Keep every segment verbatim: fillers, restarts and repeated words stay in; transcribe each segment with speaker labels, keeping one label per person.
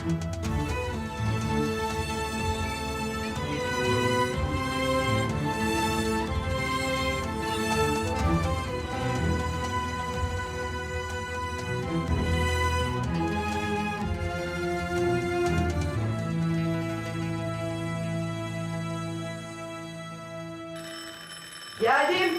Speaker 1: Geldim.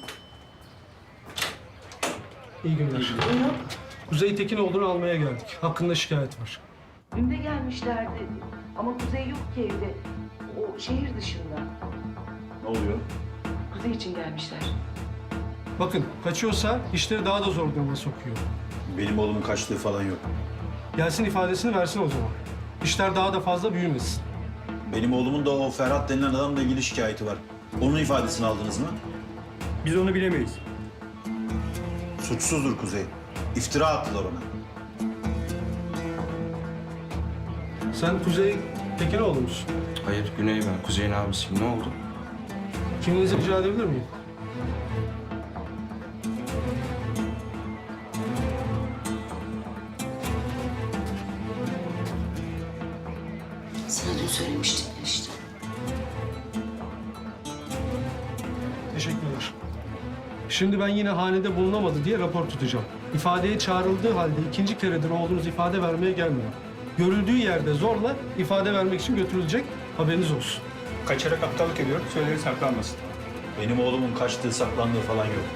Speaker 2: İyi günler.
Speaker 1: Buyurun.
Speaker 2: Kuzey Tekinoğlu'nu almaya geldik. Hakkında şikayet var.
Speaker 1: Dün de gelmişlerdi. Ama Kuzey yok ki evde. O şehir dışında.
Speaker 3: Ne oluyor?
Speaker 1: Kuzey için gelmişler.
Speaker 2: Bakın kaçıyorsa işleri daha da zor duruma sokuyor.
Speaker 3: Benim oğlumun kaçtığı falan yok.
Speaker 2: Gelsin ifadesini versin o zaman. İşler daha da fazla büyümesin.
Speaker 3: Benim oğlumun da o Ferhat denilen adamla ilgili şikayeti var. Onun ifadesini aldınız mı?
Speaker 4: Biz onu bilemeyiz.
Speaker 3: Suçsuzdur Kuzey. İftira attılar ona.
Speaker 2: Sen Kuzey Tekinoğlu musun?
Speaker 5: Hayır, Güney ben. Kuzey'in abisiyim. Ne oldu?
Speaker 2: Kimliğinizi rica edebilir miyim?
Speaker 1: Sana dün söylemiştim işte.
Speaker 2: Teşekkürler. Şimdi ben yine hanede bulunamadı diye rapor tutacağım. İfadeye çağrıldığı halde ikinci keredir oğlunuz ifade vermeye gelmiyor. Görüldüğü yerde zorla ifade vermek için götürülecek. Haberiniz olsun.
Speaker 4: Kaçarak aptallık ediyor, söyleri saklanmasın.
Speaker 3: Benim oğlumun kaçtığı, saklandığı falan yok.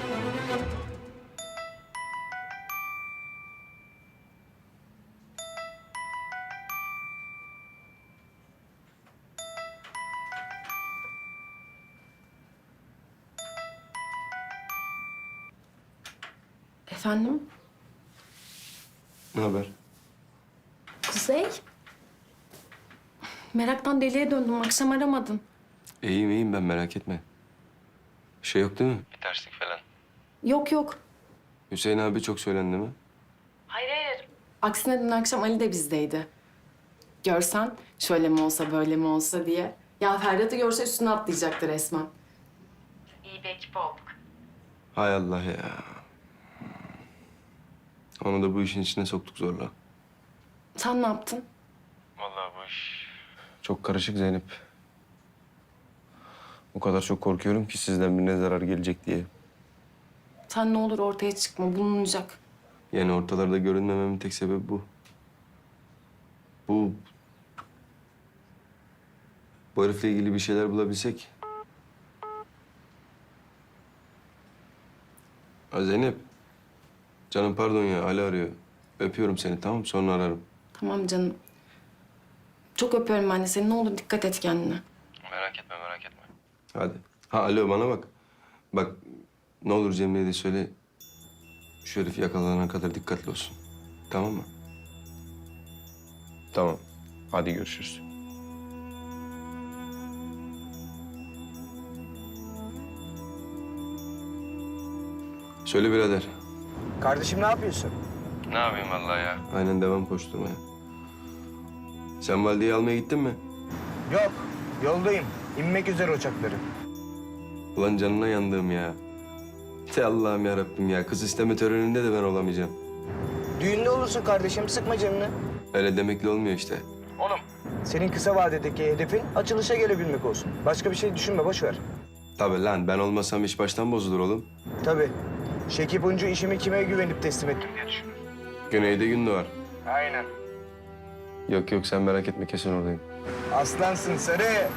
Speaker 6: Efendim?
Speaker 5: Ne haber?
Speaker 6: Kuzey? Meraktan deliye döndüm. Akşam aramadın.
Speaker 5: İyiyim iyiyim ben, merak etme. Bir şey yok değil mi? Bir terslik falan.
Speaker 6: Yok yok.
Speaker 5: Hüseyin abi çok söylendi mi?
Speaker 6: Hayır hayır. Aksine dün akşam Ali de bizdeydi. Görsen şöyle mi olsa böyle mi olsa diye. Ya Ferhat'ı görse üstüne atlayacaktı resmen. İyi bir ekip olduk.
Speaker 5: Hay Allah ya. Onu da bu işin içine soktuk zorla.
Speaker 6: Sen ne yaptın?
Speaker 5: Vallahi bu iş çok karışık Zeynep. O kadar çok korkuyorum ki sizden birine zarar gelecek diye.
Speaker 6: Sen ne olur ortaya çıkma. Bulunacak.
Speaker 5: Yani ortalarda görünmememin tek sebebi bu. Bu... Bu herifle ilgili bir şeyler bulabilsek. Ha Zeynep. Canım pardon ya, Ali arıyor. Öpüyorum seni, tamam, sonra ararım.
Speaker 6: Tamam canım. Çok öpüyorum ben de seni. Ne olur dikkat et kendine.
Speaker 5: Merak etme, merak etme. Hadi. Ha alo, bana bak. Bak, ne olur Cemre'ye de söyle. Şu herif yakalanana kadar dikkatli olsun. Tamam mı? Tamam. Hadi görüşürüz. Söyle birader.
Speaker 7: Kardeşim ne yapıyorsun?
Speaker 5: Ne yapayım vallahi ya? Aynen, devam koşturmaya. Sen valideyi almaya gittin mi?
Speaker 7: Yok, yoldayım. İnmek üzere uçakları.
Speaker 5: Ulan canına yandığım ya. Te Allah'ım yarabbim ya. Kız isteme töreninde de ben olamayacağım.
Speaker 7: Düğünde olursun kardeşim, sıkma canını.
Speaker 5: Öyle demekle olmuyor işte.
Speaker 7: Oğlum. Senin kısa vadedeki hedefin açılışa gelebilmek olsun. Başka bir şey düşünme, boş ver.
Speaker 5: Tabii lan, ben olmasam iş baştan bozulur oğlum.
Speaker 7: Tabii. Şekip Uncu işimi kime güvenip teslim ettim diye düşünür.
Speaker 5: Güneyde gün doğar.
Speaker 7: Aynen.
Speaker 5: Yok yok, sen merak etme, kesin oradayım.
Speaker 7: Aslansın Sarı.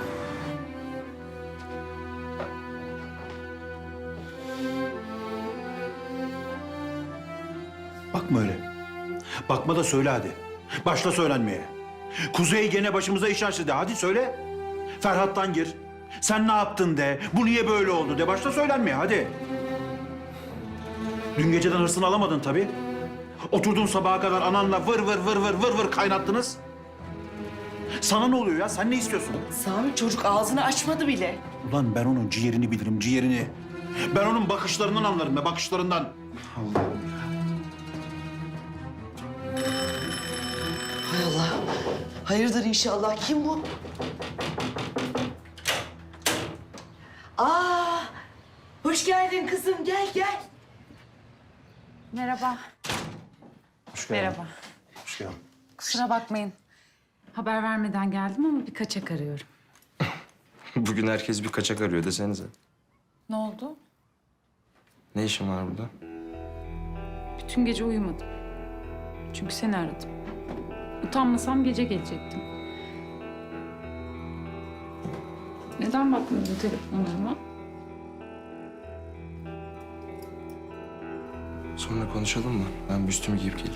Speaker 3: Bakma öyle. Bakma da söyle hadi. Başla söylenmeye. Kuzey gene başımıza iş açtı de. Hadi söyle. Ferhat'tan gir. Sen ne yaptın de. Bu niye böyle oldu de. Başla söylenmeye hadi. Dün geceden hırsını alamadın tabii. Oturdun sabaha kadar ananla vır vır vır vır vır vır kaynattınız. Sana ne oluyor ya? Sen ne istiyorsun?
Speaker 1: Sami çocuk ağzını açmadı bile.
Speaker 3: Ulan ben onun ciğerini bilirim, ciğerini. Ben onun bakışlarından anlarım be, bakışlarından. Allah'ım.
Speaker 1: Hay Allah. Hayırdır inşallah. Kim bu? Aa, hoş geldin kızım. Gel gel.
Speaker 8: Merhaba.
Speaker 3: Hoş geldin.
Speaker 8: Merhaba.
Speaker 3: Hoş geldin.
Speaker 8: Kusura bakmayın. Haber vermeden geldim ama bir kaçak arıyorum.
Speaker 5: Bugün herkes bir kaçak arıyor desenize.
Speaker 8: Ne oldu?
Speaker 5: Ne işin var burada?
Speaker 8: Bütün gece uyumadım. Çünkü seni aradım. Utanmasam gece gelecektim. Neden bakmıyordun telefonlarıma?
Speaker 5: Sonra konuşalım mı? Ben bir üstümü giyip geleyim.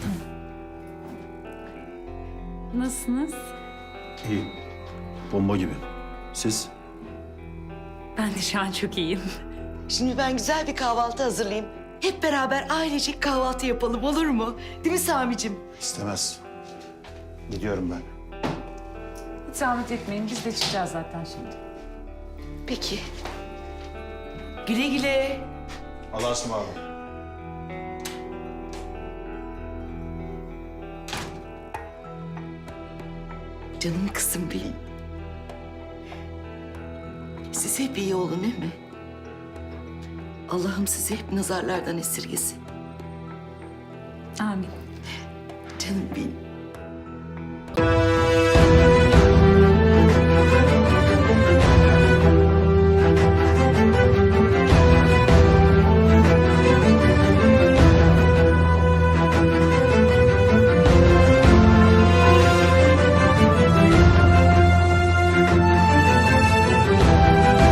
Speaker 8: Nasılsınız?
Speaker 3: İyi. Bomba gibi. Siz?
Speaker 8: Ben de şu an çok iyiyim.
Speaker 9: Şimdi ben güzel bir kahvaltı hazırlayayım. Hep beraber ailecek kahvaltı yapalım, olur mu? Değil mi Sami'cim?
Speaker 3: İstemez. Gidiyorum ben.
Speaker 8: Hiç zahmet etmeyin. Biz de çıkacağız zaten şimdi.
Speaker 9: Peki. Güle güle.
Speaker 3: Allah'a ısmarladık.
Speaker 9: Canım kızım benim. Siz hep iyi olun değil mi? Allah'ım sizi hep nazarlardan esirgesin.
Speaker 8: Amin.
Speaker 9: Canım benim.